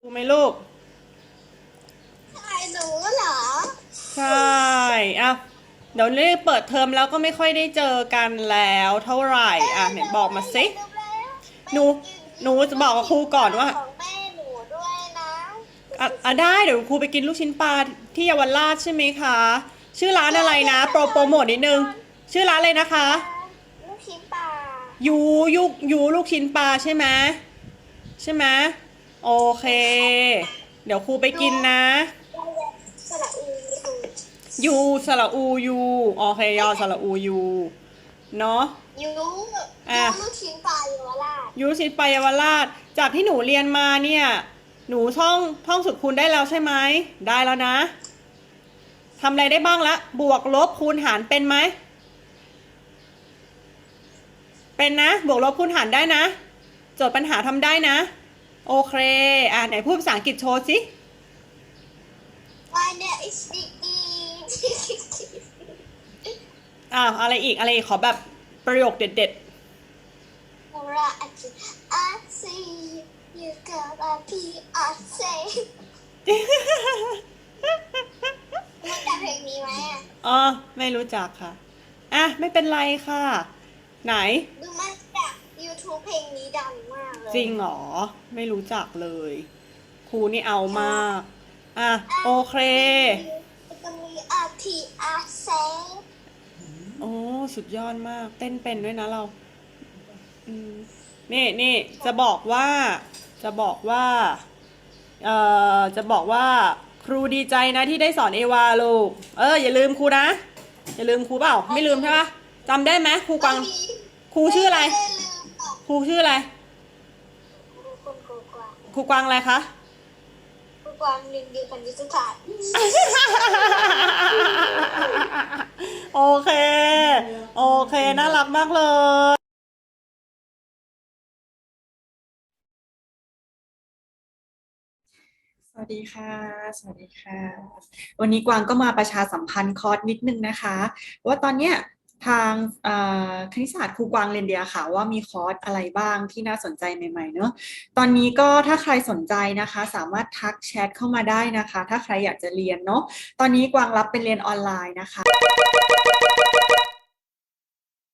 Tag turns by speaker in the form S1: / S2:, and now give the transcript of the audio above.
S1: ดูไหมลูก
S2: ใช่หนูเหรอ
S1: ใช่อ่ะเดี๋ยวนี้เปิดเทอมแล้วก็ไม่ค่อยได้เจอกันแล้วเท่าไหร่
S2: แม่
S1: อ่ะไหน
S2: หนู
S1: บอกมาสิ
S2: อยากดูแล้วไป
S1: หนู
S2: กิน
S1: หนูจะบอกกับครูก่อนว่า
S2: ของแม่หนูด้วยนะ
S1: ได้เดี๋ยวครูไปกินลูกชิ้นปลาที่เยาวราชใช่ไหมคะชื่อร้านอะไรนะโปรโมทนิดนึงชื่อร้านอะไรนะคะ
S2: ปลาลูกชิ้นปลา
S1: ยูยูลูกชิ้นปลาใช่ไหมโอเคเดี๋ยวครูไป
S2: หนู
S1: กินนะ
S2: สระอูดู
S1: ยูสระอูยูโอเคยอสระอูยูเนาะ
S2: ยู
S1: อ่ะ
S2: ลูกชิ้นปลาเยาวราช
S1: ยูสิตไปเยาวราชจากที่หนูเรียนมาเนี่ยหนูท่องสูตรคูณได้แล้วใช่ไหมได้แล้วนะทำอะไรได้บ้างละบวกลบคูณหารเป็นไหมเป็นนะบวกลบคูณหารได้นะโจทย์ปัญหาทำได้นะโอเคไหนพูดภาษาอังกฤษโชว์สิ
S2: วันเนี้ยอิสติกี
S1: อะไรอีกขอแบบประโยคเด็ด
S2: โนราอัจอาซียูกับอาพีอาเซรู้จักเพลงนี้ไหมอ่ะ
S1: อ๋อไม่รู้จักค่ะไม่เป็นไรค่ะไหน
S2: ดูมาจาก YouTube เพลงนี้ดังมากเลย
S1: จริงเหรอไม่รู้จักเลยครูนี่เอามากโอเค
S2: จะมีอาทีอาเซ
S1: โอ้สุดยอดมากเต้นเป็นด้วยนะเราอืมนี่จะบอกว่าจะบอกว่าครูดีใจนะที่ได้สอนเอวาลูกอย่าลืมครูนะอย่าลืมครูเปล่าไม่ลืมใช่ปะจำได้ไหมครูกวางครูชื่ออะไร
S2: ไม่ได้ลืมอ่ะ
S1: ครูชื่ออะไร
S2: คุณครูกวาง
S1: ครูกวางอะไรคะ
S2: ครูกวางหนึ่งเดียวกันยุทธศาสตร์
S1: โอเคโอเคน่ารักมากเลย
S3: สวัสดีค่ะสวัสดีค่ะ วันนี้กวางก็มาประชาสัมพันธ์คอร์สนิดนึงนะคะว่าตอนเนี้ยทางคณิตศาสตร์ครูกวางเรียนเดียค่ะว่ามีคอร์สอะไรบ้างที่น่าสนใจใหม่ๆเนอะตอนนี้ก็ถ้าใครสนใจนะคะสามารถทักแชทเข้ามาได้นะคะถ้าใครอยากจะเรียนเนาะตอนนี้กวางรับเป็นเรียนออนไลน์นะคะ